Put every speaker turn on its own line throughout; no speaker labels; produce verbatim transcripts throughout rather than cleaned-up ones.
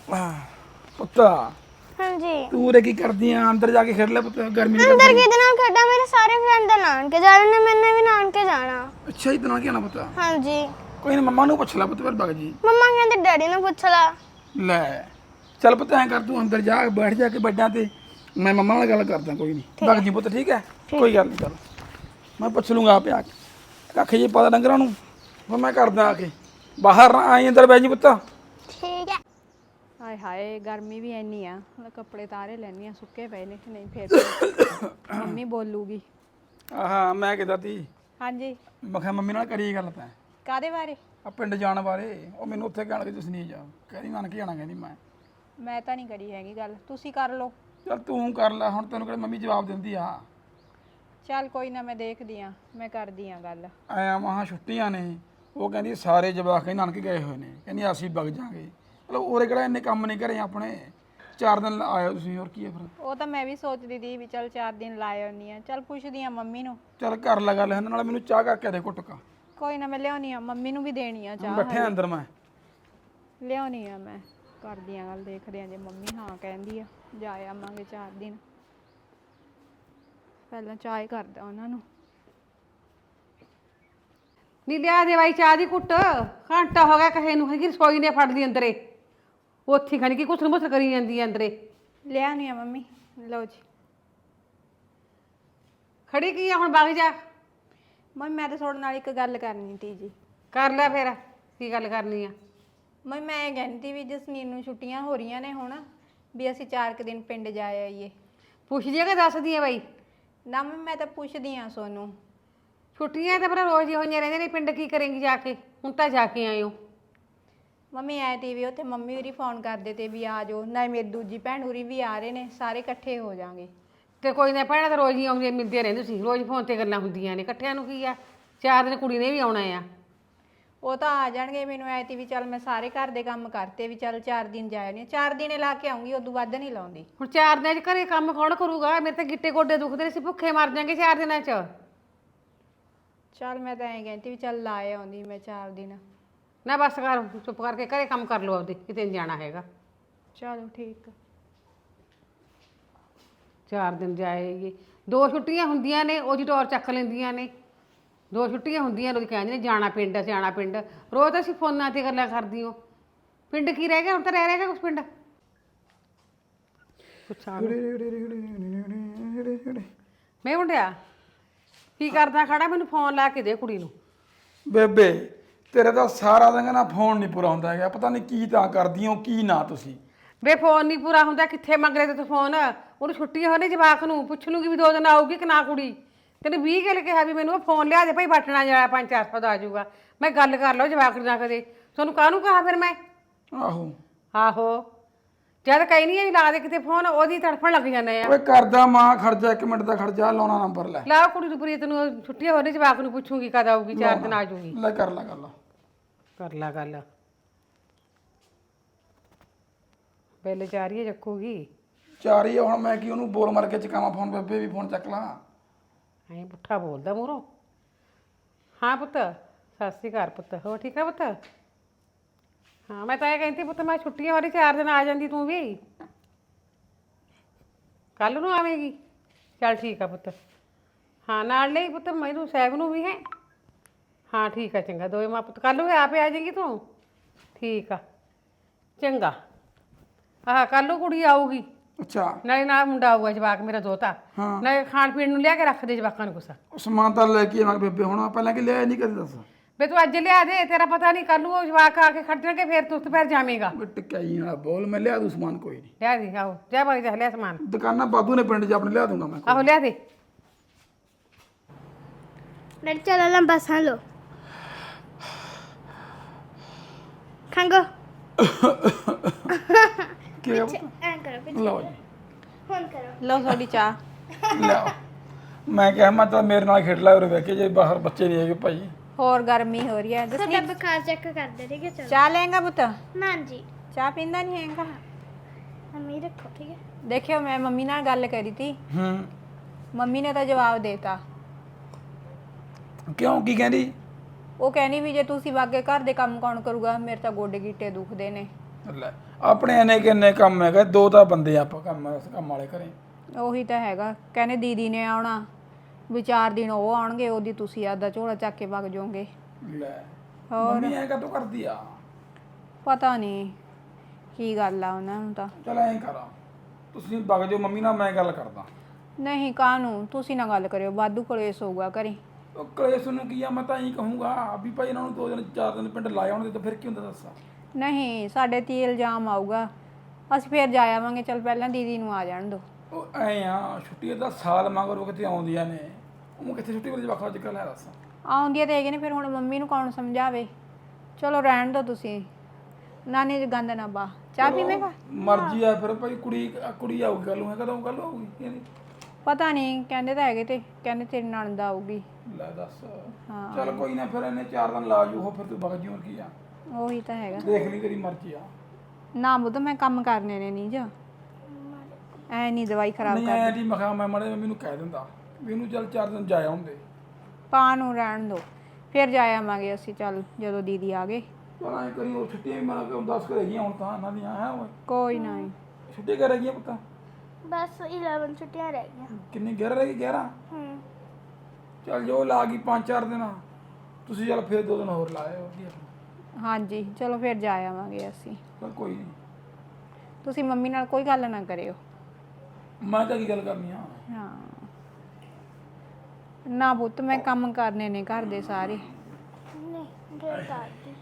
ਪੁੱਤਾ
ਹਾਂਜੀ
ਤੂੰ ਉਰੇ ਕੀ ਕਰਦੀ ਆ? ਅੰਦਰ ਜਾ ਕੇ ਖੇਡ ਲੈ ਪੁੱਤ, ਗਰਮੀ ਦੀ
ਅੰਦਰ ਕਿਹਦੇ ਨਾਲ ਖੇਡਾਂ? ਮੇਰੇ ਸਾਰੇ ਫਰੈਂਡ ਦੇ ਨਾਨਕੇ ਜਾ ਰਹੇ ਨੇ, ਮੈਨੇ ਵੀ ਨਾਨਕੇ ਜਾਣਾ।
ਅੱਛਾ ਇਤਨਾ ਕੀ ਨਾ ਪੁੱਤਾ?
ਹਾਂਜੀ
ਕੋਈ ਨਾ ਮੰਮਾ ਨੂੰ ਪੁੱਛ ਲੈ ਪੁੱਤ, ਫਿਰ ਬਗ ਜੀ।
ਮੰਮਾ ਕਹਿੰਦੇ ਡੈਡੀ ਨੂੰ ਪੁੱਛ ਲਾ।
ਲੈ ਚੱਲ ਪੁੱਤ ਐਂ ਕਰ, ਤੂੰ ਅੰਦਰ ਜਾ ਬੈਠ ਜਾ ਕੇ ਬੈਡਾਂ ਤੇ, ਮੈਂ ਮੰਮਾ ਨਾਲ ਗੱਲ ਕਰਦਾ। ਕੋਈ ਨਹੀਂ ਬਗ ਜੀ ਪੁੱਤ, ਠੀਕ ਹੈ? ਕੋਈ ਗੱਲ ਨਹੀਂ, ਚੱਲ ਮੈਂ ਪੁੱਛ ਲੂੰਗਾ ਆਪੇ ਆ ਕੇ। ਕੱਖ ਜੀ ਪਤਾ ਡੰਗਰਾਂ ਨੂੰ, ਫਿਰ ਮੈਂ ਕਰਦਾ ਆ ਕੇ। ਬਾਹਰ ਨਾ ਆਈ, ਅੰਦਰ ਬਹਿ ਜੀ ਪੁੱਤ।
ਠੀਕ ਹੈ।
ਹਾਏ ਹਾਏ ਗਰਮੀ ਵੀ ਇੰਨੀ ਆ, ਕੱਪੜੇ ਤਾਰੇ ਲੈਣੀ ਆ, ਸੁੱਕੇ ਪਏ ਨੇ ਨਹੀਂ ਫੇਰ ਮੰਮੀ ਬੋਲੂਗੀ।
ਆਹਾ ਮੈਂ ਕਿਹਾ ਤੀ,
ਹਾਂਜੀ
ਮੈਂ ਕਿਹਾ ਮੰਮੀ ਨਾਲ ਕਰੀ ਗੱਲ ਤੈਂ
ਕਾਦੇ ਬਾਰੇ?
ਆ ਪਿੰਡ ਜਾਣ ਬਾਰੇ। ਉਹ ਮੈਨੂੰ ਉੱਥੇ ਕਹਿਣ ਲੱਗੇ ਤੁਸੀਂ ਨਹੀਂ ਜਾ, ਕਹਿੰਦੀ ਨਾਨਕੇ ਜਾਣਾ, ਕਹਿੰਦੀ ਮੈਂ
ਮੈਂ ਤਾਂ ਨਹੀਂ ਕਰੀ ਹੈਗੀ ਗੱਲ, ਤੁਸੀਂ ਕਰ ਲਓ।
ਚੱਲ ਤੂੰ ਕਰ ਲੈ ਹੁਣ, ਤੈਨੂੰ ਕਿਹੜਾ ਮੰਮੀ ਜਵਾਬ ਦਿੰਦੀ ਆ।
ਚੱਲ ਕੋਈ ਨਾ, ਮੈਂ ਦੇਖਦੀ ਆ, ਮੈਂ ਕਰਦੀ ਆ ਗੱਲ।
ਆਇਆ ਮਹਾ ਛੁੱਟੀਆਂ ਨੇ, ਉਹ ਕਹਿੰਦੀ ਸਾਰੇ ਜਵਾਕ ਹੀ ਨਾਨਕੇ ਗਏ ਹੋਏ ਨੇ, ਕਹਿੰਦੀ ਅਸੀਂ ਵਗ ਜਾਾਂਗੇ। ਚਲੋ ਉਰੇ ਕਿਹੜਾ ਇੰਨੇ ਕੰਮ ਨਹੀਂ ਘਰੇ ਆਪਣੇ, ਚਾਰ ਦਿਨ ਆਇਓ ਤੁਸੀਂ, ਹੋਰ ਕੀ ਹੈ ਫਿਰ।
ਉਹ ਤਾਂ ਮੈਂ ਵੀ ਸੋਚਦੀ ਦੀ ਵੀ ਚੱਲ ਚਾਰ ਦਿਨ ਲਾ ਆਉਣੀ ਆ। ਚੱਲ ਪੁੱਛਦੀ ਆ ਮੰਮੀ ਨੂੰ।
ਚੱਲ ਕਰ ਲੈ ਗੱਲ ਇਹਨਾਂ ਨਾਲ, ਮੈਨੂੰ ਚਾਹ ਕਰਕੇ ਦੇ ਘੁੱਟ ਕਾ।
ਕੋਈ ਨਾ ਮੈਂ ਲਿਆਉਣੀ ਆ, ਮੰਮੀ ਨੂੰ ਵੀ ਦੇਣੀ ਆ ਚਾਹ।
ਬੈਠੇ ਅੰਦਰ ਮੈਂ
ਲਿਆਉਣੀ ਆ, ਮੈਂ ਕਰਦੀ ਆ ਗੱਲ, ਦੇਖਦੇ ਆ ਜੇ ਮੰਮੀ ਹਾਂ ਕਹਿੰਦੀ ਆ ਜਾ ਆਵਾਂਗੇ ਚਾਰ ਦਿਨ। ਪਹਿਲਾਂ ਚਾਹ ਹੀ ਕਰਦਾ ਉਹਨਾਂ ਨੂੰ।
ਨੀ ਲਿਆ ਦੇ ਬਾਈ ਚਾਹ ਦੀ ਕੁੱਟ, ਘੰਟਾ ਹੋ ਗਿਆ ਕਹੇ ਨੂੰ, ਹੈਗੀ ਰਸੋਈ ਨੇ ਫੜਦੀ ਅੰਦਰੇ, ਉੱਥੇ ਖਾਣੀ ਕੀ ਕੁਛ ਮੁੱਛ ਕਰੀ ਜਾਂਦੀ ਹੈ ਅੰਦਰੇ।
ਲਿਆਉਣੀ ਆ ਮੰਮੀ, ਲਓ ਜੀ।
ਖੜੀ ਕੀ ਆ ਹੁਣ, ਵਗ ਜਾ।
ਮੰਮੀ ਮੈਂ ਤਾਂ ਤੁਹਾਡੇ ਨਾਲ ਇੱਕ ਗੱਲ ਕਰਨੀ ਤੀ ਜੀ।
ਕਰ ਲੈ ਫਿਰ, ਕੀ ਗੱਲ ਕਰਨੀ ਆ?
ਮੰਮੀ ਮੈਂ ਇਹ ਕਹਿੰਦੀ ਤੀ ਵੀ ਜਸਨੀਨ ਨੂੰ ਛੁੱਟੀਆਂ ਹੋ ਰਹੀਆਂ ਨੇ ਹੁਣ, ਵੀ ਅਸੀਂ ਚਾਰ ਕੁ ਦਿਨ ਪਿੰਡ ਜਾ ਆਈਏ।
ਪੁੱਛਦੀ ਆ ਕਿ ਦੱਸਦੀ ਆ ਬਾਈ?
ਨਾ ਮੰਮੀ ਮੈਂ ਤਾਂ ਪੁੱਛਦੀ ਆ ਸੋਨੂੰ।
ਛੁੱਟੀਆਂ ਤਾਂ ਪਰ ਰੋਜ਼ ਹੀ ਹੋਈਆਂ ਰਹਿੰਦੀਆਂ ਨੇ, ਪਿੰਡ ਕੀ ਕਰੇਂਗੀ ਜਾ ਕੇ? ਹੁਣ ਤਾਂ ਜਾ ਕੇ ਆਇਓ।
ਮੰਮੀ ਆਏ ਤੀ ਵੀ ਉੱਥੇ ਮੰਮੀ ਉਰੀ ਫੋਨ ਕਰਦੇ ਤੇ ਵੀ ਆ ਜਾਓ, ਨਾ ਮੇਰੀ ਦੂਜੀ ਭੈਣ ਉਰੀ ਵੀ ਆ ਰਹੇ ਨੇ, ਸਾਰੇ ਇਕੱਠੇ ਹੋ ਜਾਾਂਗੇ।
ਤੇ ਕੋਈ ਨਾ ਭੈਣਾਂ ਤਾਂ ਰੋਜ਼ ਹੀ ਆਉਂਦੀਆਂ ਮਿਲਦੀਆਂ ਰਹਿੰਦੀਆਂ, ਤੁਸੀਂ ਰੋਜ਼ ਫੋਨ ਤੇ ਗੱਲਾਂ ਹੁੰਦੀਆਂ ਨੇ, ਇਕੱਠਿਆਂ ਨੂੰ ਕੀ ਆ? ਚਾਰ ਦਿਨ ਕੁੜੀ ਨੇ ਵੀ ਆਉਣਾ ਆ।
ਉਹ ਤਾਂ ਆ ਜਾਣਗੇ, ਮੈਨੂੰ ਆਏ ਤੀ ਵੀ ਚੱਲ ਮੈਂ ਸਾਰੇ ਘਰ ਦੇ ਕੰਮ ਕਰਤੇ ਵੀ ਚੱਲ ਚਾਰ ਦਿਨ ਜਾਇਆ ਨਹੀਂ, ਚਾਰ ਦਿਨੇ ਲਾ ਕੇ ਆਉਂਗੀ, ਉਦੋਂ ਵੱਧ ਨਹੀਂ ਲਾਉਂਦੀ।
ਹੁਣ ਚਾਰ ਦਿਨਾਂ 'ਚ ਘਰੇ ਕੰਮ ਕੌਣ ਕਰੂਗਾ? ਮੇਰੇ ਤਾਂ ਗਿੱਟੇ ਗੋਡੇ ਦੁਖਦੇ ਨੇ, ਅਸੀਂ ਭੁੱਖੇ ਮਰ ਜਾਾਂਗੇ ਚਾਰ ਦਿਨਾਂ 'ਚ।
ਚੱਲ ਮੈਂ ਤਾਂ ਐਂ ਕਹਿੰਦੀ ਵੀ ਚੱਲ ਲਾ ਆਉਂਦੀ ਮੈਂ ਚਾਰ ਦਿਨ।
ਨਾ ਬਸ ਕਰ, ਚੁੱਪ ਕਰਕੇ ਘਰੇ ਕੰਮ ਕਰ ਲਓ ਆਪਦੇ, ਕਿਤੇ ਨਹੀਂ ਜਾਣਾ ਹੈਗਾ।
ਚਲੋ ਠੀਕ ਆ।
ਚਾਰ ਦਿਨ ਜਾਏਗੀ, ਦੋ ਛੁੱਟੀਆਂ ਹੁੰਦੀਆਂ ਨੇ ਉਹਦੀ ਟੌਰ ਚੱਕ ਲੈਂਦੀਆਂ ਨੇ। ਦੋ ਛੁੱਟੀਆਂ ਹੁੰਦੀਆਂ ਉਹਦੀ ਕਹਿੰਦੇ ਨੇ ਜਾਣਾ ਪਿੰਡ, ਜਾਣਾ ਪਿੰਡ। ਰੋਜ਼ ਤਾਂ ਅਸੀਂ ਫੋਨਾਂ ਤੇ ਗੱਲਾਂ ਕਰਦੀ ਹੋ, ਪਿੰਡ ਕੀ ਰਹਿ ਗਿਆ ਹੁਣ? ਤਾਂ ਰਹਿ ਰਹਿ ਗਿਆ ਕੁਛ ਪਿੰਡ। ਮੈਂ ਮੁੰਡਿਆ ਕੀ ਕਰਦਾ ਖੜਾ? ਮੈਨੂੰ ਫੋਨ ਲਾ ਕੇ ਦੇ ਕੁੜੀ ਨੂੰ।
ਬੇਬੇ ਤੇਰੇ ਤਾਂ ਸਾਰਾ ਦਿਨ ਨਾ ਫੋਨ ਨਹੀਂ ਪੂਰਾ ਹੁੰਦਾ ਹੈਗਾ, ਪਤਾ ਨਹੀਂ ਕੀ ਤਾਂ ਕਰਦੀ ਹੋ ਕੀ ਨਾ ਤੁਸੀਂ।
ਵੇ ਫੋਨ ਨਹੀਂ ਪੂਰਾ ਹੁੰਦਾ, ਕਿੱਥੇ ਮੰਗ ਰਹੇ ਤੇ ਤੂੰ ਫੋਨ? ਉਹਨੂੰ ਛੁੱਟੀ ਹੋਣੀ, ਜਵਾਕ ਨੂੰ ਪੁੱਛ ਲੂਗੀ ਵੀ ਦੋ ਦਿਨ ਆਊਗੀ ਕਿ ਨਾ ਕੁੜੀ। ਤੈਨੂੰ ਵੀਹ ਗੱਲ ਕਿਹਾ ਵੀ ਮੈਨੂੰ ਉਹ ਫੋਨ ਲਿਆ ਦੇ ਭਾਈ, ਬਟਨਾ ਜਿਹੜਾ ਪੰਜ ਚਾਰ ਸੌ ਦਾ ਆ ਜਾਊਗਾ, ਮੈਂ ਗੱਲ ਕਰ ਲਓ ਜਵਾਕ ਨਾਲ ਕਦੇ। ਤੁਹਾਨੂੰ ਕਾਹਨੂੰ ਕਹਾ ਫਿਰ ਮੈਂ?
ਆਹੋ
ਆਹੋ ਜਦ ਕਹੀ ਨਹੀਂ ਹੈ ਲਾ ਦੇ ਕਿਤੇ ਫੋਨ, ਉਹਦੀ ਤੜਫਣ ਲੱਗ ਜਾਂਦੇ ਆ।
ਓਏ ਕਰਦਾ ਮਾਂ, ਖਰਚਾ ਇੱਕ ਮਿੰਟ ਦਾ ਖਰਚਾ, ਲਾਉਣਾ ਨੰਬਰ ਲੈ।
ਲਾ ਕੁੜੀ ਨੂੰ ਪ੍ਰੀਤ ਨੂੰ ਛੁੱਟੀਆਂ ਹੋਣੀ, ਜਵਾਕ ਨੂੰ ਪੁੱਛੂਗੀ ਕਦ ਆਊਗੀ, ਚਾਰ ਦਿਨ ਆ ਜਾਊਗੀ।
ਲੈ ਕਰ ਲੈ ਗੱਲ,
ਕਰ ਲਾ ਗੱਲ। ਬਿੱਲ ਚਾਰੀਏ ਚੱਕੂਗੀ।
ਚਾਰ ਹੀ ਆ ਹੁਣ, ਮੈਂ ਕੀ ਉਹਨੂੰ ਬੋਲ ਮਾਰ ਕੇ ਚਕਾਵਾਂ ਫੋਨ? ਬੇਬੇ ਵੀ ਫੋਨ ਚੱਕ ਲਾ।
ਐਂ ਪੁੱਠਾ ਬੋਲਦਾ ਮੂਹਰੋਂ। ਹਾਂ ਪੁੱਤ, ਸਤਿ ਸ਼੍ਰੀ ਅਕਾਲ ਪੁੱਤ, ਹੋਰ ਠੀਕ ਆ ਪੁੱਤ? ਹਾਂ ਮੈਂ ਤਾਂ ਇਹ ਕਹਿੰਦੀ ਪੁੱਤ, ਮੈਂ ਛੁੱਟੀਆਂ ਵਾਲੀ ਚਾਰ ਦਿਨ ਆ ਜਾਂਦੀ, ਤੂੰ ਵੀ ਕੱਲ ਨੂੰ ਆਵੇਂਗੀ? ਚੱਲ ਠੀਕ ਆ ਪੁੱਤ। ਹਾਂ ਨਾਲ ਲਈ ਪੁੱਤ ਮੈਨੂੰ ਸਾਹਿਬ ਨੂੰ ਵੀ ਹੈ। ਹਾਂ ਠੀਕ ਆ, ਚੰਗਾ। ਦੋਵੇਂ ਮਾਂ ਪੁੱਤ ਕੱਲ ਨੂੰ ਆਪੇ ਆ ਜਾਏਗੀ ਤੂੰ? ਠੀਕ ਆ ਚੰਗਾ। ਆਹ ਕੱਲ ਨੂੰ ਕੁੜੀ ਆਊਗੀ,
ਅੱਛਾ
ਨਾਲੇ ਨਾਲ ਮੁੰਡਾ ਆਊਗਾ, ਜਵਾਕ ਮੇਰਾ ਦੋਤਾ। ਨਾਲੇ ਖਾਣ ਪੀਣ ਨੂੰ ਲਿਆ ਕੇ ਰੱਖ ਦੇ ਜਵਾਕਾਂ ਨੂੰ ਕੁਛ।
ਸਮਾਨ ਤਾਂ ਲੈ ਕੇ ਆਵਾਂਗੇ ਬੇਬੇ, ਹੁਣ ਪਹਿਲਾਂ ਕਿ ਲਿਆ ਨਹੀਂ ਕਦੇ ਦੱਸ।
ਵੇ ਤੂੰ ਅੱਜ ਲਿਆ ਦੇ, ਤੇਰਾ ਪਤਾ ਨਹੀਂ ਕੱਲ ਨੂੰ ਉਹ ਜਵਾਕ ਆ ਕੇ ਖੜ ਜਾਣਗੇ, ਫਿਰ ਤੂੰ ਉੱਥੇ ਫਿਰ ਜਾਵੇਂਗਾ।
ਟਿਕਾਈ ਵਾਲਾ ਬੋਲ, ਮੈਂ ਲਿਆ ਦੂੰ ਸਮਾਨ, ਕੋਈ ਨਹੀਂ।
ਲਿਆ ਦੇ, ਆਓ ਜਾ ਬਾਈ ਜਾ ਲਿਆ ਸਮਾਨ।
ਦੁਕਾਨਾਂ ਬਾਦੂ ਨੇ ਪਿੰਡ 'ਚ ਆਪਣੇ, ਲਿਆ ਦੂੰਗਾ ਮੈਂ।
ਆਹੋ ਲਿਆ ਦੇ।
ਡੈਡੀ ਚਲੋ ਲੰਬਾ ਸਾਹ ਲਓ। ਖੰਗੋ
ਕੀ ਹੈ?
ਐਂ ਕਰੋ ਪਿੱਛੇ,
ਲਓ ਜੀ,
ਹੁਣ ਕਰੋ।
ਲਓ ਤੁਹਾਡੀ ਚਾਹ।
ਲਿਆਓ। ਮੈਂ ਕਿਹਾ ਮੈਂ ਤਾਂ ਮੇਰੇ ਨਾਲ ਖੇਡ ਲਾ ਉਰੇ ਵੇਖ ਕੇ, ਜੇ ਬਾਹਰ ਬੱਚੇ ਨਹੀਂ ਹੈਗੇ ਭਾਈ।
ਹੋਰ ਗਰਮੀ ਹੋ ਰਹੀ ਹੈ।
ਤੁਹਾਡਾ ਬੁਖਾਰ ਚੈੱਕ ਕਰਦੇ, ਠੀਕ ਹੈ? ਚਲੋ
ਚਾਹ ਲੈਂਗਾ ਪੁੱਤ?
ਨਾ ਜੀ,
ਚਾਹ ਪੀਂਦਾ ਨਹੀਂ ਹੈਗਾ।
ਮੰਮੀ ਰੱਖੋ, ਠੀਕ ਹੈ?
ਦੇਖਿਓ ਮੈਂ ਮੰਮੀ ਨਾਲ ਗੱਲ ਕਰੀ ਤੀ,
ਹੂੰ
ਮੰਮੀ ਨੇ ਤਾਂ ਜਵਾਬ ਦੇਤਾ।
ਕਿਉਂ, ਕੀ ਕਹਿੰਦੀ?
ਉਹ ਕਹਿੰਦੀ ਵੀ ਜੇ ਤੁਸੀਂ ਵਾਗੇ ਘਰ ਦੇ ਕੰਮ ਕੌਣ ਕਰੂਗਾ, ਮੇਰੇ ਤਾਂ ਗੋਡੇ ਗਿੱਟੇ ਦੁਖਦੇ ਨੇ।
ਲੈ ਆਪਣੇ ਇਹਨੇ ਕਿੰਨੇ ਕੰਮ ਹੈਗੇ, ਦੋ ਤਾਂ ਬੰਦੇ ਆ ਆਪਾਂ ਕੰਮ ਕੰਮ ਵਾਲੇ ਘਰੇ।
ਉਹੀ ਤਾਂ ਹੈਗਾ, ਕਹਿੰਦੇ ਦੀਦੀ ਨੇ ਆਉਣਾ ਵੀ ਚਾਰ ਦਿਨ ਉਹ ਆਉਣਗੇ, ਉਹਦੀ ਤੁਸੀਂ ਆਦਾ ਝੋਲਾ ਚੱਕ ਕੇ ਵਗ ਜਾਓਗੇ।
ਲੈ ਮੰਮੀ ਐਂ ਕਦੋਂ ਕਰਦੀ ਆ?
ਪਤਾ ਨਹੀਂ ਕੀ ਗੱਲ ਆ ਉਹਨਾਂ ਨੂੰ ਤਾਂ।
ਚਲ ਐਂ ਕਰਾਂ, ਤੁਸੀਂ ਵਗ ਜਾਓ ਮੰਮੀ ਨਾਲ, ਮੈਂ ਗੱਲ ਕਰਦਾ।
ਨਹੀਂ ਕਾਹਨੂੰ, ਤੁਸੀਂ ਨਾ ਗੱਲ ਕਰਿਓ, ਵਾਧੂ ਕਲੇਸ਼ ਹੋਊਗਾ ਘਰੇ।
ਉਹ ਕਲੇਸ਼ ਨੂੰ ਕੀ ਆ, ਮੈਂ ਤਾਂ ਇਹੀ ਕਹੂੰਗਾ ਵੀ ਭਾਈ ਇਹਨਾਂ ਨੂੰ ਦੋ ਦਿਨ ਚਾਰ ਦਿਨ ਪਿੰਡ ਲਾਏ ਆਉਣਗੇ ਤਾਂ ਫਿਰ ਕੀ ਹੁੰਦਾ ਦੱਸਾਂ।
ਨਹੀਂ ਸਾਡੇ ਤੇ ਇਲਜ਼ਾਮ ਆਊਗਾ, ਅਸੀਂ ਫੇਰ ਜਾ ਆਵਾਂਗੇ। ਚਲ ਪਹਿਲਾਂ ਦੀਦੀ ਨੂੰ ਆ ਜਾਣ ਦਿਓ।
ਉਹ ਐਂ ਆ, ਛੁੱਟੀ ਦਾ ਸਾਲ ਮਗਰੋਂ ਕਿਤੇ ਆਉਂਦੀਆਂ ਨੇ, ਉਹ ਕਿੱਥੇ ਛੁੱਟੀ ਵਾਲੇ ਜਵਾਕਾਂ ਅੱਜ ਕੱਲ੍ਹ ਹੈ ਦੱਸ।
ਆਉਂਦੀਆਂ ਤੇ ਹੈਗੇ ਨੇ, ਫਿਰ ਹੁਣ ਮੰਮੀ ਨੂੰ ਕੌਣ ਸਮਝਾਵੇ। ਚਲੋ ਰਹਿਣ ਦਿਓ ਤੁਸੀਂ, ਨਾਨੀ ਜੀ ਗੰਦ ਨਾ ਪਾ। ਚਾਹ ਪੀਵੇਂਗਾ?
ਮਰਜ਼ੀ ਆ ਫਿਰ ਭਾਈ, ਕੁੜੀ ਕੁੜੀ ਆਊਗੀ ਕੱਲ ਨੂੰ, ਕਦੋਂ ਗੱਲ ਆਊਗੀ ਇਹਦੀ?
ਪਤਾ ਨਹੀਂ, ਕਹਿੰਦੇ ਤਾਂ ਹੈਗੇ ਤੇ ਕਹਿੰਦੇ ਤੇਰੀ ਨਣਦ ਆਊਗੀ।
ਲੈ ਦੱਸ।
ਹਾਂ।
ਚਲ ਕੋਈ ਨਾ, ਫਿਰ ਇਹਨੇ ਚਾਰ ਦਿਨ ਲਾ ਜੂ, ਉਹ ਫਿਰ ਤੂੰ ਵਗ ਜੀ, ਹੋਰ ਕੀ ਆ।
ਉਹੀ ਤਾਂ ਹੈਗਾ।
ਦੇਖ ਲਈ ਤੇਰੀ ਮਰਜ਼ੀ ਆ।
ਨਾ ਬੁੱਧ ਮੈਂ ਕੰਮ ਕਰਨੇ ਨੇ ਨਹੀਂ ਜਾ, ਐ ਨਹੀਂ ਦਵਾਈ ਖਰਾਬ
ਨਹੀਂ
ਕਰ।
ਐਂ ਦੀ ਮਖਾ ਮੈਂ ਮਾੜੇ ਮੰਮੀ ਨੂੰ ਕਹਿ ਦਿੰਦਾ ਵੀ ਇਹਨੂੰ ਚੱਲ ਚਾਰ ਦਿਨ ਜਾਇਆ ਹੁੰਦੇ।
ਪਾ ਨੂੰ ਰਹਿਣ ਦਿਓ, ਫਿਰ ਜਾ ਆਵਾਂਗੇ ਅਸੀਂ। ਚੱਲ ਜਦੋਂ ਦੀਦੀ ਆ ਗਏ।
ਚਲ ਐਂ ਕਰੀ, ਉਹ ਛੁੱਟੀਆਂ ਵੀ ਮੈਂ ਕਿਹਾ ਦਸ ਕੁ ਰਹਿ ਗਈਆਂ ਹੁਣ ਤਾਂ ਇਹਨਾਂ ਦੀਆਂ, ਹੈ ਓਏ
ਕੋਈ ਨਾ।
ਛੁੱਟੀਆਂ ਕਰ ਰਹਿ ਗਈਆਂ ਪਤਾ?
ਬਸ ਗਿਆਰਾਂ ਛੁੱਟੀਆਂ ਰਹਿ ਗਈਆਂ।
ਕਿੰਨੀ ਗਿਆਰਾਂ ਰਹਿ ਗਈ? ਗਿਆਰਾਂ।
ਹੂੰ।
ਚੱਲ ਜੋ ਲਾ ਗਈ ਪੰਜ ਚਾਰ ਦਿਨ, ਤੁਸੀਂ ਚੱਲ ਫਿਰ ਦੋ ਦਿਨ ਹੋਰ ਲਾਏ ਵਧੀਆ।
ਹਾਂਜੀ ਚਲੋ ਫਿਰ ਜਾ ਆਵਾਂਗੇ ਅਸੀਂ।
ਚੱਲ ਕੋਈ ਨਹੀਂ,
ਤੁਸੀਂ ਮੰਮੀ ਨਾਲ ਕੋਈ ਗੱਲ ਨਾ ਕਰਿਓ।
ਮੈਂ ਤਾਂ ਕੀ ਗੱਲ ਕਰਨੀ ਆ।
ਹਾਂ ਨਾ ਪੁੱਤ, ਮੈਂ ਕੰਮ ਕਰਨੇ ਨੇ ਘਰ ਦੇ ਸਾਰੇ।
ਨਹੀਂ ਫਿਰ ਦਾਦੀ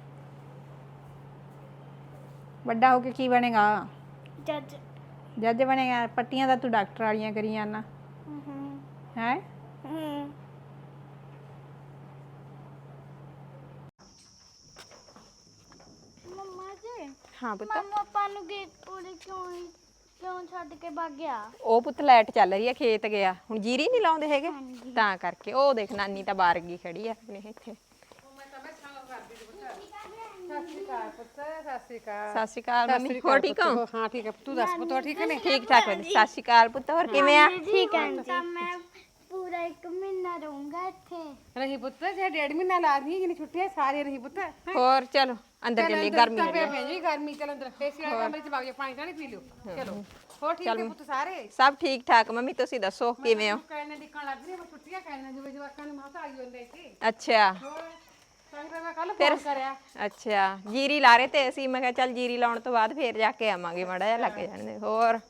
ਵੱਡਾ ਹੋ ਕੇ ਕੀ ਬਣੇਗਾ?
ਜੱਜ।
ਜੱਜ ਬਣੇਗਾ? ਪੱਟੀਆਂ ਦਾ ਤੂੰ ਡਾਕਟਰ ਵਾਲੀਆਂ ਕਰੀ ਜਾਣਾ
ਹੂੰ
ਹੈ।
ਹੂੰ। ਮੰਮਾ ਜੀ,
ਹਾਂ ਪੁੱਤ।
ਮੰਮਾ ਆਪਾਂ ਨੂੰ ਗੇਟ ਪੂਰੇ ਕਿਉਂ ਕਿਉਂ ਛੱਡ ਕੇ ਭੱਗ ਗਿਆ?
ਉਹ ਪੁੱਤ ਲਾਈਟ ਚੱਲ ਰਹੀ ਹੈ, ਖੇਤ ਗਿਆ ਹੁਣ, ਜੀਰੀ ਨਹੀਂ ਲਾਉਂਦੇ ਹੈਗੇ ਤਾਂ ਕਰਕੇ। ਉਹ ਦੇਖ ਨਾਨੀ ਤਾਂ ਬਾਹਰ ਗਈ ਖੜੀ ਆ ਆਪਣੇ ਇੱਥੇ।
ਸਤਿ ਸ਼੍ਰੀ ਅਕਾਲ ਪੁੱਤ, ਸਤਿ ਸ਼੍ਰੀ ਅਕਾਲ।
ਸਤਿ ਸ਼੍ਰੀ ਅਕਾਲ ਮੰਮੀ, ਹੋਰ ਠੀਕ ਹੋ?
ਹਾਂ ਠੀਕ ਹੈ, ਤੂੰ ਦੱਸ ਪੁੱਤ, ਹੋਰ ਠੀਕ ਨੇ?
ਠੀਕ ਠਾਕ ਵਧੀਆ। ਸਤਿ ਸ਼੍ਰੀ ਅਕਾਲ ਪੁੱਤ, ਹੋਰ ਕਿਵੇਂ ਆ?
ਠੀਕ ਹੈ ਤਾਂ ਮੈਂ ਪੂਰਾ ਇੱਕ ਮਹੀਨਾ ਰਹੂੰਗਾ ਇੱਥੇ।
ਰਹੀ ਪੁੱਤ, ਜੇ ਡੇਢ ਮਹੀਨਾ ਲਾ ਦੀ ਜਿੰਨੀ ਛੁੱਟੀਆਂ ਸਾਰੀ ਰਹੀ ਪੁੱਤ।
ਹੋਰ ਚਲੋ ਅੰਦਰ ਚੱਲੀਏ, ਗਰਮੀ
ਪੈ ਪੈ ਜੀ ਗਰਮੀ। ਚਲ ਅੰਦਰ ਏਸੀ ਵਾਲੇ ਕਮਰੇ ਚ ਵਗ ਜਾ, ਪਾਣੀ ਤਾਂ ਪੀ ਲਿਓ। ਚਲੋ ਹੋਰ ਠੀਕ ਹੈ ਪੁੱਤ ਸਾਰੇ?
ਸਭ ਠੀਕ ਠਾਕ ਮੰਮੀ, ਤੁਸੀਂ ਦੱਸੋ ਕਿਵੇਂ ਹੋ?
ਕਹਿਣੇ ਦਿਖਣ ਲੱਗ ਰਹੀ ਹੈ ਛੁੱਟੀਆਂ, ਕਹਿਣੇ ਜਿਵੇਂ ਜਵਾਕਾਂ ਨੂੰ ਮਾਤਾ ਆਈ ਹੁੰਦੇ ਇੱਥੇ।
ਅੱਛਾ
ਹੋਰ ਸਾਈ ਮੈਂ ਕੱਲ ਫੋਨ ਕਰਿਆ।
ਅੱਛਾ, ਜੀਰੀ ਲਾ ਰਹੇ ਤੇ ਅਸੀਂ, ਮੈਂ ਕਿਹਾ ਚੱਲ ਜੀਰੀ ਲਾਉਣ ਤੋਂ ਬਾਅਦ ਫੇਰ ਜਾ ਕੇ ਆਵਾਂਗੇ, ਮਾੜਾ ਜਿਹਾ ਲੱਗ ਜਾਣਦੇ। ਹੋਰ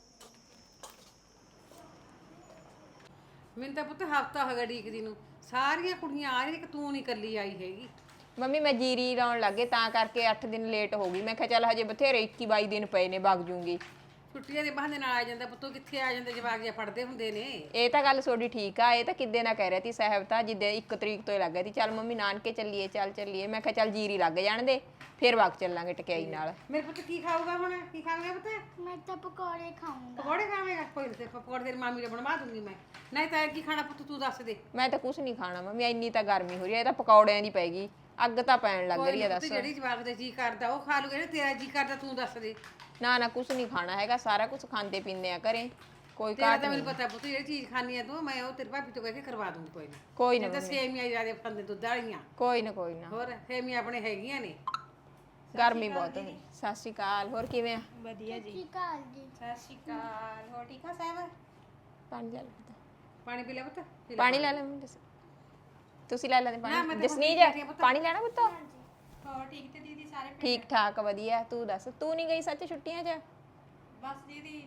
ਮੈਨੂੰ ਤਾਂ ਪੁੱਤ ਹਫਤਾ ਹੋ ਗਿਆ ਡੀਕਦੀ ਨੂੰ, ਸਾਰੀਆਂ ਕੁੜੀਆਂ ਆ ਰਹੀਆਂ, ਕਿ ਤੂੰ ਨਹੀਂ ਇਕੱਲੀ ਆਈ ਹੈਗੀ।
ਮੰਮੀ ਮੈਂ ਜੀਰੀ ਲਾਉਣ ਲੱਗੇ ਤਾਂ ਕਰਕੇ ਅੱਠ ਦਿਨ ਲੇਟ ਹੋ ਗਈ। ਮੈਂ ਕਿਹਾ ਚੱਲ ਹਜੇ ਬਥੇਰੇ ਇੱਕੀ ਬਾਈ ਦਿਨ ਪਏ ਨੇ, ਵਗ ਜੂੰਗੀ।
ਛੁੱਟੀਆਂ ਦੇ ਬਹਾਨੇ ਨਾਲ ਆ ਜਾਂਦਾ ਪੁੱਤੋ, ਕਿੱਥੇ ਆ ਜਾਂਦੇ ਜਵਾਕ ਜਿਹਾ ਪੜਦੇ ਹੁੰਦੇ ਨੇ।
ਇਹ ਤਾਂ ਗੱਲ ਤੁਹਾਡੀ ਠੀਕ ਆ। ਇਹ ਤਾਂ ਕਿੱਦੇ ਨਾ ਕਹਿ ਰਿਹਾ ਸੀ ਸਾਹਿਬ, ਤਾਂ ਜਿੱਦੇ ਇੱਕ ਤਰੀਕ ਤੋਂ ਹੀ ਲੱਗ ਗਿਆ ਸੀ, ਚੱਲ ਮੰਮੀ ਨਾਨਕੇ ਚੱਲੀਏ, ਚੱਲ ਚੱਲੀਏ। ਮੈਂ ਕਿਹਾ ਚੱਲ ਜੀਰੀ ਲੱਗ ਜਾਣ ਦੇ, ਫਿਰ ਵਗ ਚੱਲਾਂਗੇ ਟਕਿਆਈ ਨਾਲ।
ਮੇਰੇ ਪੁੱਤ ਕੀ ਖਾਊਗਾ ਹੁਣ? ਕੀ ਖਾਵੇਂਗਾ ਪੁੱਤ?
ਮੈਂ ਤਾਂ ਪਕੌੜੇ ਖਾਊਂਗਾ।
ਪਕੌੜੇ ਖਾਵੇਂਗਾ? ਕੋਈ ਨਹੀਂ, ਪਕੌੜੇ ਤੇਰੀ ਮਾਮੀ ਨੇ ਬਣਵਾ ਦੂੰਗੀ ਮੈਂ। ਨਹੀਂ ਤਾਂ ਕੀ ਖਾਣਾ ਪੁੱਤ, ਤੂੰ ਦੱਸ ਦੇ।
ਮੈਂ ਤਾਂ ਕੁਝ ਨਹੀਂ ਖਾਣਾ ਮੰਮੀ, ਇੰਨੀ ਤਾਂ ਗਰਮੀ ਹੋ ਰਹੀ ਹੈ, ਇਹ ਤਾਂ ਪਕੌੜਿਆਂ ਦੀ ਪੈਗੀ, ਅੱਗ ਤਾਂ ਪੈਣ ਲੱਗ ਰਹੀ ਹੈ।
ਪੁੱਤ
ਦੱਸ
ਜਿਹੜੀ ਜਵਾਕ ਦਾ ਜੀ ਕਰਦਾ ਉਹ ਖਾ ਲੂਗਾ, ਤੇਰਾ ਜੀ ਕਰਦਾ ਤੂੰ ਦੱਸ ਦੇ।
ਨਾ ਨਾ ਕੁਝ ਨਹੀਂ ਖਾਣਾ ਹੈਗਾ, ਸਾਰਾ ਕੁਝ ਖਾਂਦੇ ਪੀਂਦੇ ਆ ਘਰੇ, ਕੋਈ
ਤੇਰਾ
ਘਾਟ
ਤਾਂ
ਨਹੀਂ।
ਮੈਨੂੰ ਪਤਾ ਪੁੱਤ, ਜਿਹੜੀ ਚੀਜ਼ ਖਾਣੀ ਹੈ ਤੂੰ, ਮੈਂ ਉਹ ਤੇਰੀ ਭਾਬੀ ਤੋਂ ਕਹਿ ਕੇ ਕਰਵਾ ਦੂੰਗੀ। ਕੋਈ ਨਾ
ਕੋਈ ਨਾ
ਤਾਂ ਸੇਮੀਆਂ ਜਿਆਦਾ ਖਾਂਦੇ ਦੁੱਧ ਵਾਲੀਆਂ।
ਕੋਈ ਨਾ ਕੋਈ ਨਾ।
ਹੋਰ ਸੇਮੀਆਂ ਆਪਣੇ ਹੈਗੀਆਂ ਨੇ।
ਗਰਮੀ ਬਹੁਤ ਹੈ। ਸਤਿ ਸ਼੍ਰੀ ਅਕਾਲ, ਹੋਰ ਕਿਵੇਂ ਆ?
ਵਧੀਆ ਜੀ।
ਠੀਕ ਆ ਜੀ।
ਸਤਿ ਸ਼੍ਰੀ ਅਕਾਲ, ਹੋਰ ਠੀਕ ਆ ਸਾਹਿਬ?
ਪਾਣੀ ਲੈ ਲੈ,
ਪਾਣੀ ਪੀ ਲੈ ਪੁੱਤ, ਪੀ ਲੈ।
ਪਾਣੀ ਲੈ ਲੈ ਮੰਮੀ, ਤੁਸੀਂ ਲੈ ਲੈਂਦੇ
ਨਾ, ਮੈਂ
ਪਾਣੀ?
ਤਾਂ
ਜਸਨੀਜ
ਬੈਠੀ ਆ ਪੁੱਤ।
ਪਾਣੀ ਲੈਣਾ ਪੁੱਤ?
ਹੋਰ ਠੀਕ ਤੇ ਦੀਦੀ ਸਾਰੇ?
ਠੀਕ ਠਾਕ ਵਧੀਆ। ਤੂੰ ਦੱਸ, ਤੂੰ ਨਹੀਂ ਗਈ ਸੱਚ ਛੁੱਟੀਆਂ 'ਚ?
ਬਸ ਦੀਦੀ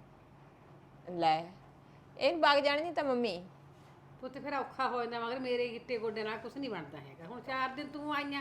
ਲੈ ਇਹ ਵਗ ਜਾਣ ਨਹੀਂ ਤਾਂ ਮੰਮੀ।
ਪੁੱਤ ਫਿਰ ਔਖਾ ਹੋ ਜਾਂਦਾ, ਮਗਰ ਮੇਰੇ ਗਿੱਟੇ ਗੋਡੇ ਨਾਲ ਕੁਝ ਨਹੀਂ ਬਣਦਾ ਹੈਗਾ। ਹੁਣ ਚਾਰ ਦਿਨ ਤੂੰ ਆਈਆਂ,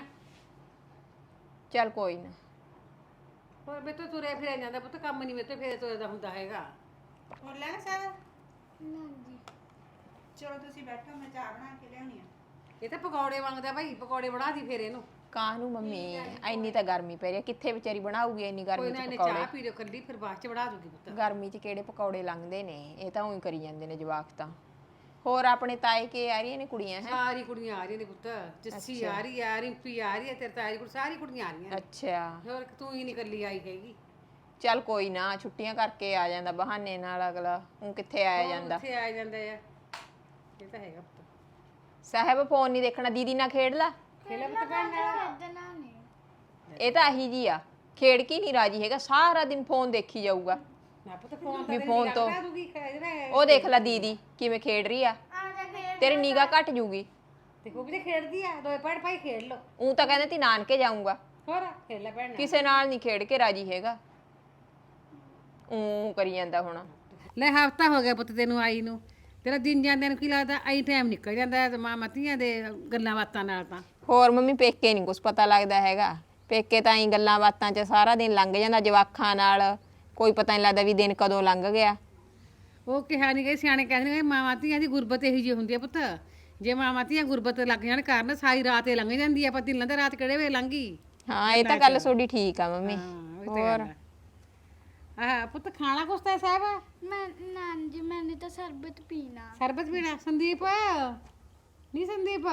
ਚੱਲ ਕੋਈ ਨਾ।
ਹੋਰ ਮੇਰੇ ਤੋਂ ਤੁਰੇ ਫਿਰਿਆ ਜਾਂਦਾ ਪੁੱਤ, ਕੰਮ ਨਹੀਂ ਮੇਰੇ ਤੋਂ ਫੇਰੇ ਤੁਰਦਾ ਹੁੰਦਾ ਹੈਗਾ।
ਹੋਰ ਲੈਣਾ ਸਾਹਿਬ?
ਨਾ ਜੀ।
ਚਲੋ ਤੁਸੀਂ ਬੈਠੋ, ਮੈਂ ਚਾਹ ਬਣਾ ਕੇ ਲਿਆਉਣੀ ਆ।
ਇਹ ਤਾਂ ਪਕੌੜੇ ਮੰਗਦਾ ਭਾਈ, ਪਕੌੜੇ ਬਣਾ ਦੀ ਫੇਰ ਇਹਨੂੰ।
ਕਾਹਨੂੰ ਮੰਮੀ, ਇੰਨੀ ਤਾਂ ਗਰਮੀ ਪੈ ਰਹੀ ਹੈ, ਕਿੱਥੇ ਵਿਚਾਰੀ ਬਣਾਊਗੀ ਇੰਨੀ
ਕੋਈ
ਗਰਮੀ
ਨਾ
'ਚ
ਇਹਨੇ
ਪਕੌੜੇ?
ਚਾਹ ਪੀ ਲਿਓ ਕੱਲੀ, ਫਿਰ ਬਾਅਦ ਚ ਬਣਾ ਦੂਗੀ ਪੁੱਤ।
ਗਰਮੀ 'ਚ ਕਿਹੜੇ ਪਕੌੜੇ ਲੰਘਦੇ ਨੇ, ਇਹ ਤਾਂ ਉਹੀ ਕਰੀ ਜਾਂਦੇ ਨੇ ਜਵਾਕ ਤਾਂ। ਹੋਰ ਆਪਣੇ ਤਾਏ ਕੇ ਆ ਰਹੀਆਂ ਨੇ ਕੁੜੀਆਂ? ਹੈ
ਸਾਰੀ ਕੁੜੀਆਂ ਆ ਰਹੀਆਂ ਨੇ ਪੁੱਤ, ਜੱਸੀ ਆ ਰਹੀ ਆ, ਰਿੰਪੀ ਆ ਰਹੀ ਹੈ, ਤੇਰੇ ਤਾਈ ਕੋਲ ਸਾਰੀ ਕੁੜੀਆਂ ਆ ਰਹੀਆਂ ਨੇ।
ਅੱਛਾ
ਹੋਰ ਤੂੰ ਹੀ ਨਹੀਂ ਕੱਲੀ ਆਈ ਹੈਗੀ।
ਚੱਲ ਕੋਈ ਨਾ, ਛੁੱਟੀਆਂ ਕਰਕੇ ਆ ਜਾਂਦਾ ਬਹਾਨੇ ਨਾਲ ਅਗਲਾ, ਉਹ ਕਿੱਥੇ ਆਇਆ ਜਾਂਦਾ।
ਕਿੱਥੇ ਆ ਜਾਂਦਾ ਆ, ਇਹ ਤਾਂ ਹੈਗਾ ਪੁੱਤ।
ਸਾਹਿਬ ਫੋਨ ਨਹੀਂ ਦੇਖਣਾ, ਦੀਦੀ ਨਾਲ ਖੇਡ ਲਾ।
ਖੇਲਾ ਪੁੱਤ ਭੈਣ ਨਾਲ।
ਖੇਡਣਾ ਨਹੀਂ।
ਇਹ ਤਾਂ ਆਹੀ ਜੀ ਆ, ਖੇਡ ਕੀ ਨਹੀਂ ਰਾਜੀ ਹੈਗਾ, ਸਾਰਾ ਦਿਨ ਫੋਨ ਦੇਖੀ ਜਾਊਗਾ।
ਨਾ ਪੁੱਤ ਫੋਨ
ਵੀ ਫੋਨ ਤੋਂ
ਦੂਗੀ ਜਿਹੜਾ
ਉਹ ਦੇਖ ਲੈ ਦੀਦੀ ਕਿਵੇਂ ਖੇਡ ਰਹੀ ਆ, ਤੇਰੀ ਨਿਗਾਹ ਘਟ ਜੂਗੀ।
ਤੇ ਉਹ ਵੀ ਖੇਡਦੀ ਆ, ਦੋਏ ਭੈਣ ਭਾਈ ਖੇਡ ਲੋ।
ਉਹ ਤਾਂ ਕਹਿੰਦੇ ਤੀ ਨਾਨਕੇ ਜਾਊਂਗਾ,
ਹੋਰ ਖੇਡ ਲੈ ਭੈਣ ਨਾਲ।
ਕਿਸੇ ਨਾਲ ਨਹੀਂ ਖੇਡ ਕੇ ਰਾਜੀ ਹੈਗਾ, ਉਹ ਕਰੀ ਜਾਂਦਾ ਹੁਣ।
ਲੈ ਹਫਤਾ ਹੋ ਗਿਆ ਪੁੱਤ ਤੈਨੂੰ ਆਈ ਨੂੰ, ਤੇਰਾ ਦਿਨ ਜਾਂਦੇ ਨੂੰ ਕੀ ਲੱਗਦਾ ਆਈ ਟਾਈਮ ਨਿਕਲ ਜਾਂਦਾ ਹੈ ਤੇ ਮਾਂ ਮਤੀਆਂ ਦੇ ਗੱਲਾਂ ਬਾਤਾਂ ਨਾਲ ਤਾਂ।
ਹੋਰ ਮੰਮੀ ਪੇਕੇ ਨਹੀਂ ਕੁਛ ਪਤਾ ਲੱਗਦਾ ਹੈਗਾ, ਪੇਕੇ ਤਾਂ ਹੀ ਗੱਲਾਂ ਬਾਤਾਂ 'ਚ ਸਾਰਾ ਦਿਨ ਲੰਘ ਜਾਂਦਾ ਜਵਾਖਾਂ ਨਾਲ, ਕੋਈ ਪਤਾ ਨਹੀਂ ਲੱਗਦਾ ਵੀ ਦਿਨ ਕਦੋਂ ਲੰਘ ਗਿਆ।
ਉਹ ਕਿਹਾ ਨਹੀਂ ਗਏ ਸਿਆਣੇ ਕਹਿੰਦੇ ਨੇ ਮਾਂ ਮਤੀਆਂ ਦੀ ਗੁਰਬਤ ਇਹੀ ਜਿਹੀ ਹੁੰਦੀ ਹੈ ਪੁੱਤ, ਜੇ ਮਾਂ ਮਤੀਆਂ ਗੁਰਬਤ ਲੱਗ ਜਾਣ ਕਾਰਨ ਸਾਰੀ ਰਾਤ ਇਹ ਲੰਘ ਜਾਂਦੀ ਹੈ, ਪਤਾ ਨਹੀਂ ਲੱਗਦਾ ਰਾਤ ਕਿਹੜੇ ਵੇਲੇ ਲੰਘੀ।
ਹਾਂ ਇਹ ਤਾਂ ਗੱਲ ਤੁਹਾਡੀ ਠੀਕ ਆ ਮੰਮੀ।
ਹੋਰ ਆਹ ਪੁੱਤ ਖਾਣਾ ਕੁਛ ਤਾਂ ਸਾਹਿਬ
ਮੈਂ ਨਾਨ ਜੀ ਮੈंने तो शरबत पीना।
ਸਰਬਤ ਪੀਣਾ ਸੰਦੀਪ ਨਹੀਂ ਸੰਦੀਪ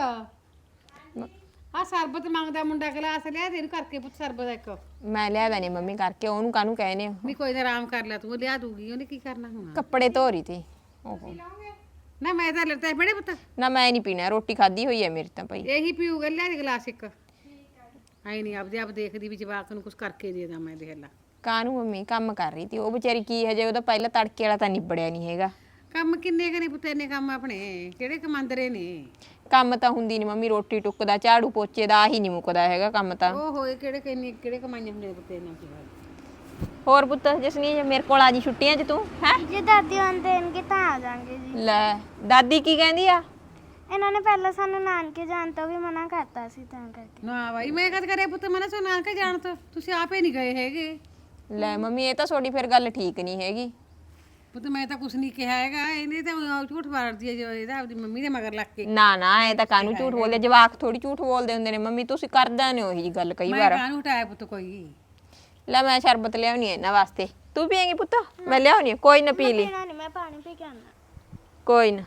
ਆ ਸਰਬਤ ਮੰਗਦਾ ਮੁੰਡਾ ਗਲਾਸ ਲਿਆ ਦੇ ਇਹਨੂੰ ਕਰਕੇ ਪੁੱਤ ਸਰਬਤ ਇੱਕ।
ਮੈਂ ਲਿਆ ਦਾਂ ਮੰਮੀ ਕਰਕੇ, ਉਹਨੂੰ ਕਾਹਨੂੰ ਕਹਿੰਦੇ ਹੋ?
ਨਹੀਂ ਕੋਈ ਨਾ ਆਰਾਮ ਕਰ ਲੈ ਤੂੰ, ਲਿਆ ਦੂਗੀ ਉਹਨੇ ਕੀ ਕਰਨਾ ਹੁਣ।
ਕੱਪੜੇ ਧੋ ਰਹੀ ਤੀ। ਓਹੋ
ਨਾ ਮੈਂ ਤਾਂ ਲੈਤਾ ਬੜੇ ਪੁੱਤ,
ਨਾ ਮੈਂ ਨਹੀਂ ਪੀਣਾ, ਰੋਟੀ ਖਾਧੀ ਹੋਈ ਹੈ ਮੇਰੀ ਤਾਂ ਭਾਈ।
ਇਹੀ ਪੀਊਗਾ, ਲਿਆ ਦੇ ਗਲਾਸ ਇੱਕ। ਆਈ ਨਹੀਂ ਆਪਦੇ ਆਪ ਦੇਖਦੀ ਵੀ ਜਵਾਕ ਨੂੰ ਕੁਝ ਕਰਕੇ ਦੇ ਦਾਂ ਮੈਂ, ਦੇਖ ਲਾ।
ਕਾਹਨੂੰ ਮੰਮੀ ਕੰਮ ਕਰ ਰਹੀ ਤੀ ਉਹ ਵਿਚਾਰੀ, ਕੀ ਹਜੇ ਉਹਦਾ ਪਹਿਲਾਂ ਤੜਕੇ ਵਾਲਾ ਤਾਂ ਨਿਬੜਿਆ ਨਹੀਂ ਹੈਗਾ।
ਕੰਮ ਕਿੰਨੇ ਕਰੇ ਪੁੱਤ, ਇੰਨੇ ਕੰਮ ਆਪਣੇ ਕਿਹੜੇ ਕਮਾਂਦਰੇ ਨੇ।
ਕੰਮ ਤਾਂ ਹੁੰਦੀ ਨਹੀਂ ਮੰਮੀ, ਰੋਟੀ ਟੁੱਕ ਦਾ ਝਾੜੂ ਪੋਚੇ ਦਾ ਆਹੀ ਨਹੀਂ ਮੁੱਕਦਾ ਹੈਗਾ ਕੰਮ ਤਾਂ।
ਉਹ ਹੋਏ ਕਿਹੜੇ ਕਿੰਨੇ ਕਿਹੜੇ ਕਮਾਈਆਂ ਹੁੰਦੇ ਨੇ ਪੁੱਤ ਇਹਨਾਂ ਕੀ।
ਹੋਰ ਪੁੱਤ ਜਸਨੀ ਮੇਰੇ ਕੋਲ ਆ ਜੀ ਛੁੱਟੀਆਂ 'ਚ ਤੂੰ ਹੈ?
ਜੇ ਦਾਦੀ ਆਉਂਦੇ ਇਨਕੇ ਤਾਂ ਆ ਜਾਾਂਗੇ ਜੀ।
ਲੈ ਦਾਦੀ ਕੀ ਕਹਿੰਦੀ ਆ?
ਇਹਨਾਂ ਨੇ ਪਹਿਲਾਂ ਸਾਨੂੰ ਨਾਨਕੇ ਜਾਣ ਤੋਂ ਵੀ ਮਨਾ ਕਰਤਾ ਸੀ ਤਾਂ ਕਰਕੇ।
ਨਾ ਬਾਈ ਮੈਂ ਕਦ ਕਰੇ ਪੁੱਤ ਮਨਾ ਸੋ ਨਾਨਕੇ ਜਾਣ ਤੋਂ, ਤੁਸੀਂ ਆਪੇ ਨਹੀਂ ਗਏ ਹੈਗੇ।
ਲੈ ਮੰਮੀ ਇਹ ਤਾਂ ਤੁਹਾਡੀ ਫਿਰ ਗੱਲ ਠੀਕ ਨਹੀਂ ਹੈਗੀ।
ਪੁੱਤ ਮੈਂ ਤਾਂ ਕੁਛ ਨਹੀਂ ਕਿਹਾ ਹੈਗਾ, ਇਹਨੇ ਤਾਂ ਝੂਠ ਮਾਰਦੀ ਹੈ ਜੋ ਇਹਦਾ ਆਪਦੀ ਮੰਮੀ ਦੇ ਮਗਰ ਲੱਗ ਕੇ।
ਨਾ ਨਾ ਇਹ ਤਾਂ ਕਾਹਨੂੰ ਝੂਠ ਬੋਲਦੇ, ਜਵਾਕ ਥੋੜੀ ਝੂਠ ਬੋਲਦੇ ਹੁੰਦੇ ਨੇ ਮੰਮੀ, ਤੁਸੀਂ ਕਰਦਾ ਨੇ ਉਹੀ ਗੱਲ ਕਈ
ਮੈਂ
ਵਾਰ।
ਕਾਹਨੂੰ ਹਟਾਇਆ ਪੁੱਤ ਕੋਈ।
ਲੈ ਮੈਂ ਸ਼ਰਬਤ ਲਿਆਉਣੀ ਹੈ ਇਹਨਾਂ ਵਾਸਤੇ, ਤੂੰ ਪੀਏਂਗੀ ਪੁੱਤ? ਮੈਂ ਲਿਆਉਣੀ ਹੈ, ਕੋਈ ਨਾ ਪੀ ਲਈ।
ਪੀਣਾ ਨਹੀਂ, ਮੈਂ ਪਾਣੀ ਪੀ ਕੇ ਆਉਣਾ।
ਕੋਈ ਨਾ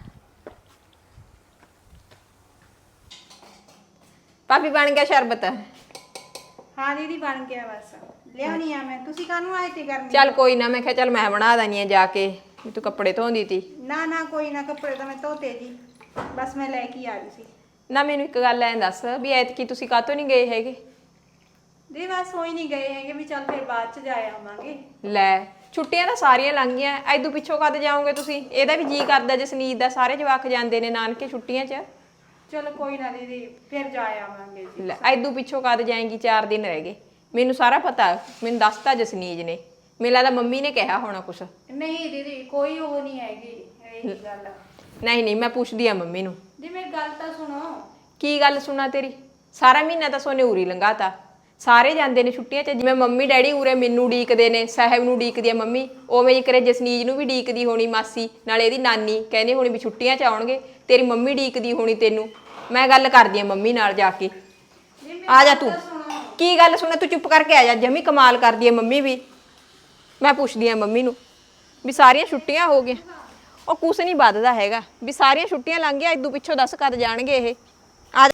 ਭਾਬੀ ਬਣ ਗਿਆ ਸ਼ਰਬਤ?
ਹਾਂ ਦੀਦੀ ਬਣ ਗਿਆ, ਬਸ ਲਿਆਉਣੀ ਆ ਮੈਂ। ਤੁਸੀਂ ਕਾਹਨੂੰ ਆਏ ਤੇ ਕਰਨੀ?
ਚੱਲ ਕੋਈ ਨਾ, ਮੈਂ ਕਿਹਾ ਚੱਲ ਮੈਂ ਬਣਾ ਦਣੀ ਆ ਜਾ ਕੇ, ਵੀ ਤੂੰ ਕੱਪੜੇ ਧੋਂਦੀ ਤੀ।
ਨਾ ਨਾ ਕੋਈ ਨਾ, ਕੱਪੜੇ ਤਾਂ ਮੈਂ ਧੋਤੇ ਜੀ, ਬਸ ਮੈਂ ਲੈ ਕੇ ਆ ਰਹੀ ਸੀ।
ਨਾ ਮੈਨੂੰ ਇੱਕ ਗੱਲ ਐਂ ਦੱਸ ਵੀ ਐਤਕੀ ਤੁਸੀਂ ਕਾਹਤੋਂ ਨਹੀਂ ਗਏ ਹੈਗੇ?
ਦੀ ਬਸ ਹੋਈ ਨਹੀਂ ਗਏ ਹੈਗੇ ਵੀ ਚੱਲ ਫਿਰ ਬਾਅਦ ਚ ਜਾ ਆਵਾਂਗੇ।
ਲੈ ਛੁੱਟੀਆਂ ਤਾਂ ਸਾਰੀਆਂ ਲੰਘ ਗਈਆਂ, ਐਦੂ ਪਿੱਛੋਂ ਕਦ ਜਾਓਗੇ ਤੁਸੀਂ? ਇਹਦਾ ਵੀ ਜੀ ਕਰਦਾ ਜਸਨੀਤ ਦਾ, ਸਾਰੇ ਜਵਾਕ ਜਾਂਦੇ ਨੇ ਨਾਨਕੇ ਛੁੱਟੀਆਂ 'ਚ।
ਚਲੋ ਕੋਈ ਨਾ ਦੀਦੀ, ਫਿਰ ਜਾ ਆਵਾਂਗੇ ਜੀ।
ਲੈ ਐਦੂ ਪਿੱਛੋਂ ਕਦ ਜਾਏਂਗੀ? ਚਾਰ ਦਿਨ ਰਹਿ ਗਏ, ਮੈਨੂੰ ਸਾਰਾ ਪਤਾ, ਮੈਨੂੰ ਦੱਸਤਾ ਜਸਨੀਤ ਨੇ। ਮੈਨੂੰ ਲੱਗਦਾ ਮੰਮੀ ਨੇ ਕਿਹਾ ਹੋਣਾ ਕੁਛ।
ਨਹੀਂ ਦੀਦੀ ਕੋਈ ਉਹ ਨਹੀਂ ਹੈਗੀ ਇਹ ਗੱਲ।
ਨਹੀਂ ਨਹੀਂ ਮੈਂ ਪੁੱਛਦੀ ਆ ਮੰਮੀ ਨੂੰ।
ਜੀ ਮੇਰੀ ਗੱਲ ਤਾਂ ਸੁਣੋ।
ਕੀ ਗੱਲ ਸੁਣਾ ਤੇਰੀ? ਸਾਰਾ ਮਹੀਨਾ ਤਾਂ ਸੋਨੇ ਉਰੀ ਲੰਘਾਤਾ, ਸਾਰੇ ਜਾਂਦੇ ਨੇ ਛੁੱਟੀਆਂ 'ਚ। ਜਿਵੇਂ ਮੰਮੀ ਡੈਡੀ ਉਰੇ ਮੈਨੂੰ ਡੀਕਦੇ ਨੇ, ਸਾਹਿਬ ਨੂੰ ਡੀਕਦੀ ਆ ਮੰਮੀ, ਉਵੇਂ ਹੀ ਕਰੇ ਜਸਨੀਤ ਨੂੰ ਵੀ ਡੀਕਦੀ ਹੋਣੀ ਮਾਸੀ, ਨਾਲ ਇਹਦੀ ਨਾਨੀ ਕਹਿੰਦੇ ਹੋਣੀ ਵੀ ਛੁੱਟੀਆਂ 'ਚ ਆਉਣਗੇ। ਤੇਰੀ ਮੰਮੀ ਡੀਕਦੀ ਹੋਣੀ ਤੈਨੂੰ। ਮੈਂ ਗੱਲ ਕਰਦੀ ਆ ਮੰਮੀ ਨਾਲ ਜਾ ਕੇ। ਆ ਜਾ ਤੂੰ। ਕੀ ਗੱਲ ਸੁਣਾ? ਤੂੰ ਚੁੱਪ ਕਰਕੇ ਆ ਜਾ, ਜਮੀ ਕਮਾਲ ਕਰਦੀ ਆ ਮੰਮੀ ਵੀ। ਮੈਂ ਪੁੱਛਦੀ ਆ ਮੰਮੀ ਨੂੰ ਵੀ ਸਾਰੀਆਂ ਛੁੱਟੀਆਂ ਹੋ ਗਈਆਂ। ਉਹ ਕੁਛ ਨਹੀਂ ਵੱਧਦਾ ਹੈਗਾ, ਵੀ ਸਾਰੀਆਂ ਛੁੱਟੀਆਂ ਲੰਘ ਗਈਆਂ, ਇਦੋਂ ਪਿੱਛੋਂ ਦੱਸ ਕਦ ਜਾਣਗੇ ਇਹ? ਆ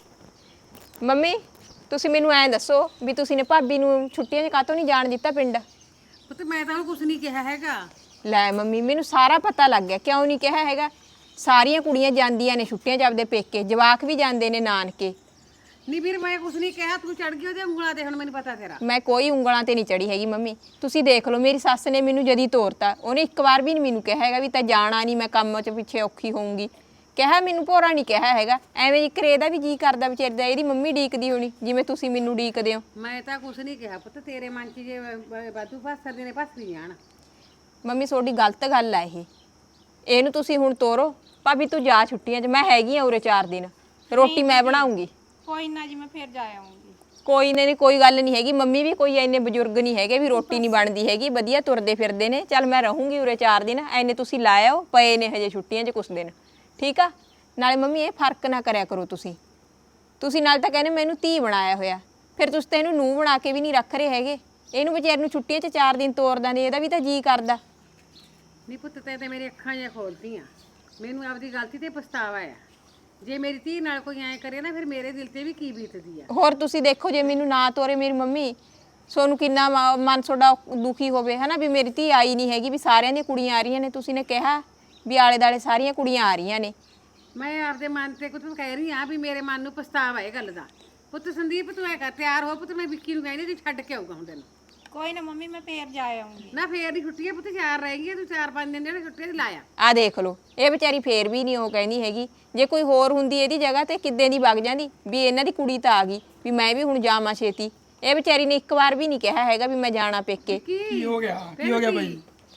ਮੰਮੀ ਤੁਸੀਂ ਮੈਨੂੰ ਐਂ ਦੱਸੋ ਵੀ ਤੁਸੀਂ ਨੇ ਭਾਬੀ ਨੂੰ ਛੁੱਟੀਆਂ 'ਚ ਕਾਹਤੋਂ ਨਹੀਂ ਜਾਣ ਦਿੱਤਾ ਪਿੰਡ?
ਪੁੱਤ ਮੈਂ ਤਾਂ ਕੁਛ ਨਹੀਂ ਕਿਹਾ ਹੈਗਾ।
ਲੈ ਮੰਮੀ ਮੈਨੂੰ ਸਾਰਾ ਪਤਾ ਲੱਗ ਗਿਆ, ਕਿਉਂ ਨਹੀਂ ਕਿਹਾ ਹੈਗਾ? ਸਾਰੀਆਂ ਕੁੜੀਆਂ ਜਾਂਦੀਆਂ ਨੇ ਛੁੱਟੀਆਂ 'ਚ ਆਪਦੇ ਪੇਕੇ, ਜਵਾਕ ਵੀ ਜਾਂਦੇ ਨੇ ਨਾਨਕੇ।
ਨਹੀਂ ਵੀਰ ਮੈਂ ਕੁਛ ਨਹੀਂ ਕਿਹਾ, ਤੂੰ ਚੜ ਗਈ ਉਹਦੇ ਉਂਗਲਾਂ ਤੇ, ਹੁਣ ਮੈਨੂੰ ਪਤਾ ਤੇਰਾ।
ਮੈਂ ਕੋਈ ਉਂਗਲਾਂ ਤੇ ਨਹੀਂ ਚੜੀ ਹੈਗੀ ਮੰਮੀ, ਤੁਸੀਂ ਦੇਖ ਲਓ ਮੇਰੀ ਸੱਸ ਨੇ ਮੈਨੂੰ ਜਦੀ ਤੋਰਤਾ। ਉਹਨੇ ਇੱਕ ਵਾਰ ਵੀ ਨਹੀਂ ਮੈਨੂੰ ਕਿਹਾ ਹੈਗਾ ਵੀ ਤਾਂ ਜਾਣਾ ਨਹੀਂ, ਮੈਂ ਕੰਮ 'ਚ ਪਿੱਛੇ ਔਖੀ ਹੋਊਂਗੀ। ਕਿਹਾ ਮੈਨੂੰ ਭੋਰਾ ਨਹੀਂ ਕਿਹਾ ਹੈਗਾ। ਐਵੇਂ ਇੱਕ ਰੇ ਦਾ ਵੀ ਜੀ ਕਰਦਾ ਵਿਚਾਰੀ ਦਾ, ਇਹਦੀ ਮੰਮੀ ਡੀਕਦੀ ਹੋਣੀ ਜਿਵੇਂ ਤੁਸੀਂ ਮੈਨੂੰ ਡੀਕਦੇ ਹੋ।
ਮੈਂ ਤਾਂ ਕੁਛ ਨਹੀਂ ਕਿਹਾ ਪੁੱਤ, ਤੇਰੇ ਮਨ 'ਚ ਜੇ ਵਾਧੂ ਫਸਦੇ ਨੇ ਫਸ ਨਹੀਂ ਜਾਣ।
ਮੰਮੀ ਤੁਹਾਡੀ ਗਲਤ ਗੱਲ ਆ ਇਹ, ਇਹਨੂੰ ਤੁਸੀਂ ਹੁਣ ਤੋਰੋ। ਭਾਬੀ ਤੂੰ ਜਾ ਛੁੱਟੀਆਂ 'ਚ, ਮੈਂ ਹੈਗੀ ਆ ਉਰੇ ਚਾਰ ਦਿਨ, ਰੋਟੀ ਮੈਂ ਬਣਾਉਂਗੀ।
ਕੋਈ ਨਾ ਜੀ, ਮੈਂ ਫਿਰ ਜਾ ਆਉਂਗੀ।
ਕੋਈ ਨਹੀਂ ਕੋਈ ਗੱਲ ਨਹੀਂ ਹੈਗੀ, ਮੰਮੀ ਵੀ ਕੋਈ ਇੰਨੇ ਬਜ਼ੁਰਗ ਨਹੀਂ ਹੈਗੇ ਵੀ ਰੋਟੀ ਨਹੀਂ ਬਣਦੀ ਹੈਗੀ, ਵਧੀਆ ਤੁਰਦੇ ਫਿਰਦੇ ਨੇ। ਚੱਲ ਮੈਂ ਰਹੂੰਗੀ ਉਰੇ ਚਾਰ ਦਿਨ, ਐਨੇ ਤੁਸੀਂ ਲਾਇਓ, ਪਏ ਨੇ ਹਜੇ ਛੁੱਟੀਆਂ 'ਚ ਕੁਛ ਦਿਨ, ਠੀਕ ਆ? ਨਾਲੇ ਮੰਮੀ ਇਹ ਫਰਕ ਨਾ ਕਰਿਆ ਕਰੋ ਤੁਸੀਂ ਤੁਸੀਂ ਨਾਲ ਤਾਂ ਕਹਿੰਦੇ ਮੈਨੂੰ ਧੀ ਬਣਾਇਆ ਹੋਇਆ, ਫਿਰ ਤੁਸੀਂ ਤਾਂ ਇਹਨੂੰ ਨੂੰਹ ਬਣਾ ਕੇ ਵੀ ਨਹੀਂ ਰੱਖ ਰਹੇ ਹੈਗੇ। ਇਹਨੂੰ ਵਿਚਾਰ ਨੂੰ ਛੁੱਟੀਆਂ 'ਚ ਚਾਰ ਦਿਨ ਤੋਰਦਾ ਨੇ, ਇਹਦਾ ਵੀ ਤਾਂ ਜੀ ਕਰਦਾ।
ਨਹੀਂ ਪੁੱਤ ਤੇ ਤੇ ਮੇਰੀ ਅੱਖਾਂ ਜਿਹੀਆਂ ਖੋਲਤੀਆਂ, ਮੈਨੂੰ ਆਪਦੀ ਗਲਤੀ ਤੇ ਪਛਤਾਵਾ ਆ। ਜੇ ਮੇਰੀ ਧੀ ਨਾਲ ਕੋਈ ਐਂ ਕਰੇ ਨਾ, ਫਿਰ ਮੇਰੇ ਦਿਲ ਤੇ ਵੀ ਕੀ ਬੀਤਦੀ ਆ।
ਹੋਰ ਤੁਸੀਂ ਦੇਖੋ ਜੇ ਮੈਨੂੰ ਨਾ ਤੋਰੇ ਮੇਰੀ ਮੰਮੀ, ਸੋਨੂੰ ਕਿੰਨਾ ਮ- ਮਨ ਤੁਹਾਡਾ ਦੁਖੀ ਹੋਵੇ ਹਨਾ, ਵੀ ਮੇਰੀ ਧੀ ਆਈ ਨਹੀਂ ਹੈਗੀ, ਵੀ ਸਾਰਿਆਂ ਦੀਆਂ ਕੁੜੀਆਂ ਆ ਰਹੀਆਂ ਨੇ। ਤੁਸੀਂ ਨੇ ਕਿਹਾ ਵੀ ਆਲੇ ਦਾਲੇ ਸਾਰੀਆਂ ਕੁੜੀਆਂ ਆ ਰਹੀਆਂ ਨੇ।
ਮੈਂ ਆਪਦੇ ਮਨ ਤੇ ਕੁਝ ਕਹਿ ਰਹੀ ਆ ਵੀ ਮੇਰੇ ਮਨ ਨੂੰ ਪਛਤਾਵਾ ਇਹ ਗੱਲ ਦਾ। ਪੁੱਤ ਸੰਦੀਪ ਤੂੰ ਐ ਕਰ, ਤਿਆਰ ਹੋ ਪੁੱਤ, ਮੈਂ ਵਿੱਕੀ ਨੂੰ ਕਹਿੰਦੀ ਤੂੰ ਛੱਡ ਕੇ ਆਊਗਾ ਹੁਣ ਤੈਨੂੰ।
ਕੋਈ ਨਾ ਮੰਮੀ ਮੈਂ ਫੇਰ ਜਾ ਆਉਂਗੀ।
ਨਾ ਫੇਰ ਦੀ ਛੁੱਟੀਆਂ ਪੁੱਤ ਚਾਰ ਰਹਿ ਗਈਆਂ ਤੂੰ ਚਾਰ ਪੰਜ ਦਿਨ ਜਿਹੜੇ ਛੁੱਟੀਆਂ ਦੀ ਲਾਇਆ।
ਆ ਦੇਖ ਲਓ ਇਹ ਵਿਚਾਰੀ ਫੇਰ ਵੀ ਨਹੀਂ ਉਹ ਕਹਿੰਦੀ ਹੈਗੀ। ਜੇ ਕੋਈ ਹੋਰ ਹੁੰਦੀ ਇਹਦੀ ਜਗ੍ਹਾ ਤੇ ਕਿੱਦਾਂ ਦੀ ਵਗ ਜਾਂਦੀ ਵੀ ਇਹਨਾਂ ਦੀ ਕੁੜੀ ਤਾਂ ਆ ਗਈ ਵੀ ਮੈਂ ਵੀ ਹੁਣ ਜਾਵਾਂ ਛੇਤੀ। ਇਹ ਵਿਚਾਰੀ ਨੇ ਇੱਕ ਵਾਰ ਵੀ ਨਹੀਂ ਕਿਹਾ ਹੈਗਾ ਵੀ ਮੈਂ ਜਾਣਾ ਪੇਕੇ।
ਕੀ ਹੋ ਗਿਆ ਕੀ ਹੋ ਗਿਆ ਬਾਈ?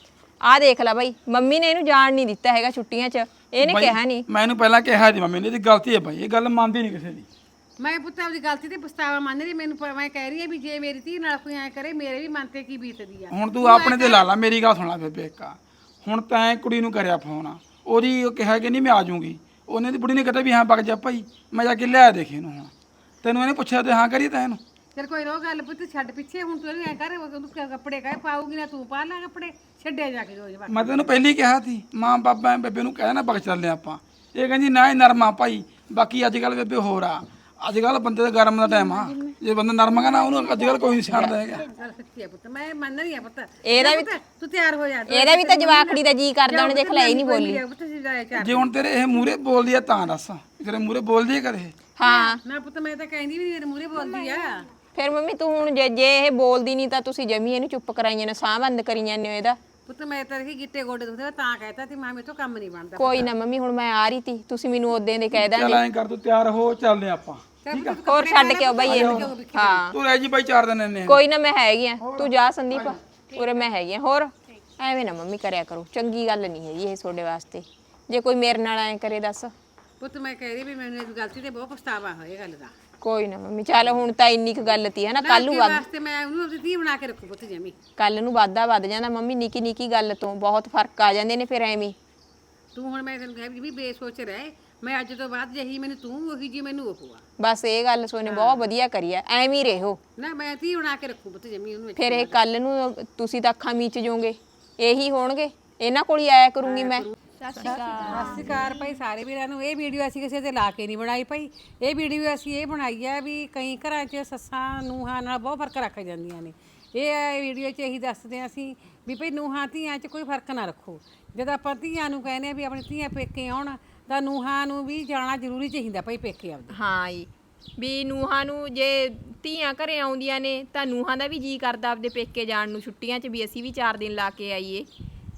ਆ ਦੇਖ ਲੈ ਬਾਈ ਮੰਮੀ ਨੇ ਇਹਨੂੰ ਜਾਣ ਨਹੀਂ ਦਿੱਤਾ ਹੈਗਾ ਛੁੱਟੀਆਂ 'ਚ। ਇਹਨੇ
ਬਾਈ,
ਕਿਹਾ ਨਹੀਂ।
ਮੈਂ ਇਹਨੂੰ ਪਹਿਲਾਂ ਕਿਹਾ ਸੀ ਮੰਮੀ ਨੇ ਇਹਦੀ ਗਲਤੀ ਹੈ ਬਾਈ, ਇਹ ਗੱਲ ਮੰਨਦੀ ਨਹੀਂ ਕਿਸੇ ਦੀ।
ਮੈਂ ਪੁੱਤ ਆਪਦੀ ਗਲਤੀ ਤੇ ਪਛਤਾਵਾ ਮੰਨ ਰਹੀ ਮੈਨੂੰ ਪ- ਮੈਂ ਕਹਿ ਰਹੀ ਹਾਂ ਵੀ ਜੇ ਮੇਰੀ ਧੀ ਨਾਲ ਕੋਈ ਐ ਕਰੇ ਮੇਰੇ ਵੀ ਮਨ ਤੇ ਕੀ ਬੀਤਦੀ ਆ।
ਹੁਣ ਤੂੰ ਆਪਣੇ ਤੇ ਲਾ ਲਾ, ਮੇਰੀ ਗੱਲ ਸੁਣਾ ਬੇਬੇ ਇੱਕ। ਹੁਣ ਤੈਂ ਕੁੜੀ ਨੂੰ ਕਰਿਆ ਫੋਨ, ਉਹਦੀ ਉਹ ਕਿਹਾ ਕਿ ਨਹੀਂ ਮੈਂ ਆ ਜਾਊਂਗੀ। ਉਹਨੇ ਦੀ ਬੁੜੀ ਨੇ ਕਹਤਾ ਵੀ ਹਾਂ ਵਗ ਜਾ ਭਾਈ, ਮੈਂ ਜਾ ਕੇ ਲਿਆ ਦੇਖੀ ਇਹਨੂੰ। ਹੁਣ ਤੈਨੂੰ ਇਹਨੇ ਪੁੱਛਿਆ ਤੇ ਹਾਂ ਕਰੀ ਤਾਂ ਇਹਨੂੰ।
ਚਲ ਕੋਈ ਰੋ ਗੱਲ ਪੁੱਤ ਛੱਡ ਪਿੱਛੇ, ਹੁਣ ਤੂੰ ਇਹਨੂੰ ਐ ਕਰ ਉਹਨੂੰ ਕ- ਕੱਪੜੇ ਕਾਹ ਪਾਉਗੀ ਨਾ ਤੂੰ ਪਾ ਲੈ ਕੱਪੜੇ ਛੱਡਿਆ ਜਾ ਕੇ ਰੋਜ਼।
ਮੈਂ ਤੈਨੂੰ ਪਹਿਲੀ ਕਿਹਾ ਸੀ ਮਾਂ ਬਾਬਾ ਬੇਬੇ ਨੂੰ ਕਹਿ ਨਾ ਵਗ ਚੱਲਦੇ ਆਪਾਂ। ਇਹ ਕਹਿੰਦੀ ਨਾ ਇਹ ਨਰਮਾ ਭਾਈ। ਬਾਕੀ ਅੱਜ ਕੱਲ ਬੇਬੇ ਹੋਰ ਆ, ਅੱਜ ਕੱਲ ਬੰਦੇ ਦਾ ਗਰਮ ਦਾ ਟਾਈਮ ਆ। ਜੇ ਬੰਦਾ ਨਰਮ ਹੈਗਾ ਨਾ ਉਹਨੂੰ ਅੱਜ ਕੱਲ ਕੋਈ ਨਹੀਂ ਸਿਆਣਦਾ ਹੈਗਾ।
ਚਲ ਸੱਚੀ ਆ ਪੁੱਤ ਮੈਂ ਮੰਨ ਰਹੀ ਆ ਪੁੱਤ।
ਇਹਦਾ ਵੀ
ਪੁੱਤ, ਤੂੰ ਤਿਆਰ ਹੋ ਜਾ।
ਇਹਦਾ ਵੀ ਤਾਂ ਜਵਾਕੜੀ ਦਾ ਜੀ ਕਰਦਾ ਉਹਨੇ ਦੇਖ ਲੈ ਇਹ ਨਹੀਂ ਬੋਲੀ।
ਪੁੱਤ ਜੀ ਜਾਇਆ ਚਾਰ।
ਜੇ ਹੁਣ ਤੇਰੇ ਇਹ ਮੂਰੇ ਬੋਲਦੀ ਆ ਤਾਂ ਦੱਸ, ਤੇਰੇ ਮੂਰੇ ਬੋਲਦੀ ਆ ਕਦੇ?
ਹਾਂ
ਨਾ ਪੁੱਤ ਮੈਂ ਤਾਂ ਕਹਿੰਦੀ ਵੀ ਮੇਰੇ ਮੂਹਰੇ ਬੋਲਦੀ ਆ।
ਫਿਰ ਮੰਮੀ ਤੂੰ ਹੁਣ ਜੇ ਜੇ ਇਹ ਬੋਲਦੀ ਨਹੀਂ ਤਾਂ ਤੁਸੀਂ ਜਮੀ ਇਹਨੂੰ ਚੁੱਪ ਕਰਾਈਆਂ ਨੇ, ਸਾਹ ਬੰਦ ਕਰੀ ਜਾਂਦੇ ਹੋ ਇਹਦਾ।
ਪੁੱਤ ਮੈਂ ਤਾਂ ਇਹ ਗਿੱਟੇ ਗੋਡੇ ਦੁਖਦੇ ਤਾਂ ਕਹਿਤਾ ਤੇ ਮਾਂ ਮੇਰੇ ਤੋਂ ਕੰਮ ਨਹੀਂ ਬਣਦਾ।
ਕੋਈ ਨਾ ਮੰਮੀ ਹੁਣ ਮੈਂ ਆ ਰਹੀ ਤੀ, ਤੁਸੀਂ ਮੈਨੂੰ ਉਦੋਂ ਦੇ ਕਹਿ
ਚੱਲ
ਦਾਂਗੇ।
ਐਂ ਕਰ ਤੂੰ ਤਿਆਰ ਹੋ ਚੱਲਦੇ ਆਪਾਂ।
ਹੋਰ ਛੱਡ ਕੇ ਆਓ ਬਾਈ ਇਹਨੂੰ। ਹਾਂ
ਤੂੰ ਰਹਿ ਜੀ ਬਾਈ ਚਾਰ ਦਿਨ ਇੰਨੇ।
ਕੋਈ ਨਾ ਮੈਂ ਹੈਗੀ ਆ, ਤੂੰ ਜਾ ਸੰਦੀਪ ਉਰੇ ਮੈਂ ਹੈਗੀ ਆ। ਹੋਰ ਐਵੇਂ ਨਾ ਮੰਮੀ ਕਰਿਆ ਕਰੋ, ਚੰਗੀ ਗੱਲ ਨਹੀਂ ਹੈਗੀ ਇਹ ਤੁਹਾਡੇ ਵਾਸਤੇ। ਜੇ ਕੋਈ ਮੇਰੇ ਨਾਲ ਐਂ ਕਰੇ ਦੱਸ।
ਪੁੱਤ ਮੈਂ ਕਹਿ ਰਹੀ ਵੀ ਮੈਨੂੰ ਇਸ ਗਲਤੀ ਤੇ ਬਹੁਤ ਪਛਤਾਵਾ ਹੋਇਆ ਗੱਲ ਦਾ।
ਕੋਈ ਨਾ ਮੰਮੀ ਚੱਲ ਹੁਣ ਤਾਂ ਇੰਨੀ ਕੁ ਗੱਲ ਤੀ ਹੈ ਨਾ, ਕੱਲ ਨੂੰ ਵੱਧ
ਵਾਸਤੇ ਮੈਂ ਉਹਨੂੰ ਆਪਣੀ ਧੀ ਬਣਾ ਕੇ ਰੱਖੂ ਪੁੱਤ ਜਮੀ।
ਕੱਲ ਨੂੰ ਵਾਧਾ ਵੱਧ ਜਾਂਦਾ ਮੰਮੀ, ਨਿੱਕੀ ਨਿੱਕੀ ਗੱਲ ਤੋਂ ਬਹੁਤ ਫਰਕ ਆ ਜਾਂਦੇ ਨੇ ਫਿਰ ਐਵੇਂ।
ਤੂੰ ਹੁਣ ਮੈਂ ਤੈਨੂੰ ਕਿਹਾ ਵੀ ਬੇਸੋਚ ਰਹਿ, ਮੈਂ ਅੱਜ ਤੋਂ ਬਾਅਦ ਜਹੀ ਮੈਨੂੰ ਤੂੰ ਉਹੀ ਜੀ ਮੈਨੂੰ ਉਹ ਆ।
ਬਸ ਇਹ ਗੱਲ ਸੋਨੇ ਬਹੁਤ ਵਧੀਆ ਕਰੀ ਐ, ਐਵੇਂ ਹੀ ਰਹੋ।
ਨਾ ਮੈਂ ਧੀ ਬਣਾ ਕੇ ਰੱਖੂ ਪੁੱਤ ਜਮੀ ਉਹਨੂੰ।
ਫਿਰ ਇਹ ਕੱਲ ਨੂੰ ਤੁਸੀਂ ਤਾਂ ਅੱਖਾਂ ਮੀਚ ਜਾਓਗੇ, ਇਹੀ ਹੋਣਗੇ। ਇਹਨਾਂ ਕੋਲ ਹੀ ਆਇਆ ਕਰੂੰਗੀ ਮੈਂ।
ਸਤਿ ਸ਼੍ਰੀ ਅਕਾਲ ਭਾਈ ਸਾਰੇ ਵੀਰਾਂ ਨੂੰ। ਇਹ ਵੀਡੀਓ ਅਸੀਂ ਕਿਸੇ ਤੇ ਲਾ ਕੇ ਨਹੀਂ ਬਣਾਈ ਭਾਈ। ਇਹ ਵੀਡੀਓ ਅਸੀਂ ਇਹ ਬਣਾਈ ਹੈ ਵੀ ਕਈ ਘਰਾਂ 'ਚ ਸੱਸਾਂ ਨੂੰਹਾਂ ਨਾਲ ਬਹੁਤ ਫਰਕ ਰੱਖ ਜਾਂਦੀਆਂ ਨੇ। ਇਹ ਵੀਡੀਓ 'ਚ ਇਹੀ ਦੱਸਦੇ ਹਾਂ ਅਸੀਂ ਵੀ ਭਾਈ ਨੂੰਹਾਂ ਧੀਆਂ 'ਚ ਕੋਈ ਫਰਕ ਨਾ ਰੱਖੋ। ਜਦੋਂ ਆਪਾਂ ਧੀਆਂ ਨੂੰ ਕਹਿੰਦੇ ਆ ਵੀ ਆਪਣੀ ਧੀਆਂ ਪੇਕੇ ਆਉਣ ਤਾਂ ਨੂੰਹਾਂ ਨੂੰ ਵੀ ਜਾਣਾ ਜ਼ਰੂਰੀ ਚਾਹੀਦਾ ਭਾਈ ਪੇਕੇ ਆਪਦੇ।
ਹਾਂ ਜੀ, ਵੀ ਨੂੰਹਾਂ ਨੂੰ ਜੇ ਧੀਆਂ ਘਰੇ ਆਉਂਦੀਆਂ ਨੇ ਤਾਂ ਨੂੰਹਾਂ ਦਾ ਵੀ ਜੀ ਕਰਦਾ ਆਪਦੇ ਪੇਕੇ ਜਾਣ ਨੂੰ ਛੁੱਟੀਆਂ 'ਚ, ਵੀ ਅਸੀਂ ਵੀ ਚਾਰ ਦਿਨ ਲਾ ਕੇ ਆਈਏ।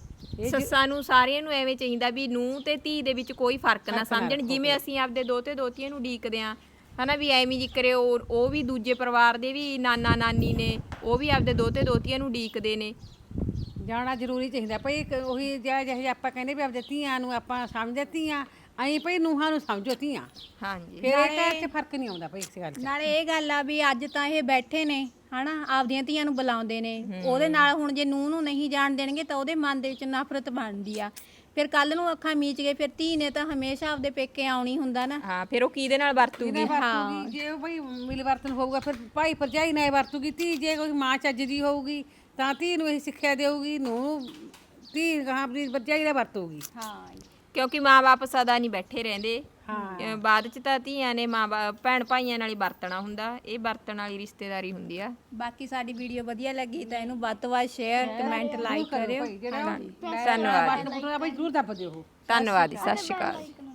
ਸੱਸਾਂ ਨੂੰ ਸਾਰਿਆਂ ਨੂੰ ਐਵੇਂ ਚਾਹੀਦਾ ਵੀ ਨੂੰਹ ਤੇ ਧੀ ਦੇ ਵਿੱਚ ਕੋਈ ਫਰਕ ਨਾ ਸਮਝਣ। ਜਿਵੇਂ ਅਸੀਂ ਆਪਦੇ ਦੋਤੇ ਦੋਤੀਆਂ ਨੂੰ ਉਡੀਕਦੇ ਆ ਹਨਾ, ਵੀ ਐਵੇਂ ਜੀ ਕਰੇ ਉਹ ਉਹ ਵੀ ਦੂਜੇ ਪਰਿਵਾਰ ਦੇ ਵੀ ਨਾਨਾ ਨਾਨੀ ਨੇ, ਉਹ ਵੀ ਆਪਦੇ ਦੋਤੇ ਦੋਤੀਆਂ ਨੂੰ ਉਡੀਕਦੇ ਨੇ।
ਜਾਣਾ ਜ਼ਰੂਰੀ ਚਾਹੀਦਾ ਭਾਈ। ਉਹੀ ਜਿਹਾ ਜਿਹੇ ਆਪਾਂ ਕਹਿੰਦੇ ਵੀ ਆਪਦੇ ਧੀਆਂ ਨੂੰ ਆਪਾਂ ਸਮਝਦੇ ਧੀਆਂ, ਐਂ ਭਾਈ ਨੂੰਹਾਂ ਨੂੰ ਸਮਝੋ ਧੀਆਂ।
ਹਾਂਜੀ
ਫਿਰ ਇਹ ਘਰ 'ਚ ਫਰਕ ਨਹੀਂ ਆਉਂਦਾ ਭਾਈ ਇਸ ਗੱਲ 'ਚ।
ਨਾਲੇ ਇਹ ਗੱਲ ਆ ਵੀ ਅੱਜ ਤਾਂ ਇਹ ਬੈਠੇ ਨੇ ਹਨਾ, ਆਪਦੀਆਂ ਧੀਆਂ ਨੂੰ ਬੁਲਾਉਂਦੇ ਨੇ। ਉਹਦੇ ਨਾਲ ਹੁਣ ਜੇ ਨੂੰਹ ਨੂੰ ਨਹੀਂ ਜਾਣ ਦੇਣਗੇ ਤਾਂ ਉਹਦੇ ਮਨ ਦੇ ਵਿੱਚ ਨਫ਼ਰਤ ਬਣਦੀ ਆ। ਫਿਰ ਕੱਲ ਨੂੰ ਅੱਖਾਂ ਮੀਚ ਗਏ, ਫਿਰ ਧੀ ਨੇ ਤਾਂ ਹਮੇਸ਼ਾ ਆਪਦੇ ਪੇਕੇ ਆਉਣੀ ਹੁੰਦਾ ਨਾ।
ਹਾਂ, ਫਿਰ ਉਹ ਕਿਹਦੇ ਨਾਲ ਵਰਤੂਗੀ?
ਵਰਤੂਗੀ ਜੇ ਉਹ ਭਾਈ ਮਿਲ ਵਰਤਨ ਹੋਊਗਾ ਫਿਰ ਭਾਈ ਭਰਜਾਈ ਨਾਲ ਵਰਤੂਗੀ ਧੀ। ਜੇ ਕੋਈ ਮਾਂ ਚੱਜ ਦੀ ਹੋਊਗੀ ਤਾਂ ਧੀ ਨੂੰ ਇਹ ਸਿੱਖਿਆ ਦੇਊਗੀ, ਨੂੰ ਧੀ ਗਾਂ ਆਪਣੀ ਭਰਜਾਈ ਨਾਲ ਵਰਤੂਗੀ।
ਹਾਂ
ਕਿਉਂਕਿ ਮਾਂ-ਬਾਪ ਸਦਾ ਨਹੀਂ ਬੈਠੇ ਰਹਿੰਦੇ। ਅਹ ਬਾਅਦ ਚ ਤਾਂ ਧੀਆਂ ਨੇ ਮਾਂ ਭੈਣ ਭਾਈਆਂ ਨਾਲ ਹੀ ਵਰਤਣਾ ਹੁੰਦਾ। ਇਹ ਵਰਤਣ ਵਾਲੀ ਰਿਸ਼ਤੇਦਾਰੀ ਹੁੰਦੀ ਆ।
ਬਾਕੀ ਸਾਡੀ ਵੀਡੀਓ ਵਧੀਆ ਲੱਗੀ ਤਾਂ ਇਹਨੂੰ ਵੱਧ ਤੋਂ ਵੱਧ ਸ਼ੇਅਰ ਕਮੈਂਟ ਲਾਈਕ ਕਰਿਓ।
ਧੰਨਵਾਦ
ਭਾਈ ਜ਼ਰੂਰ ਦੱਬ ਦਿਓ।
ਧੰਨਵਾਦ ਜੀ, ਸਤਿ ਸ਼੍ਰੀ ਅਕਾਲ।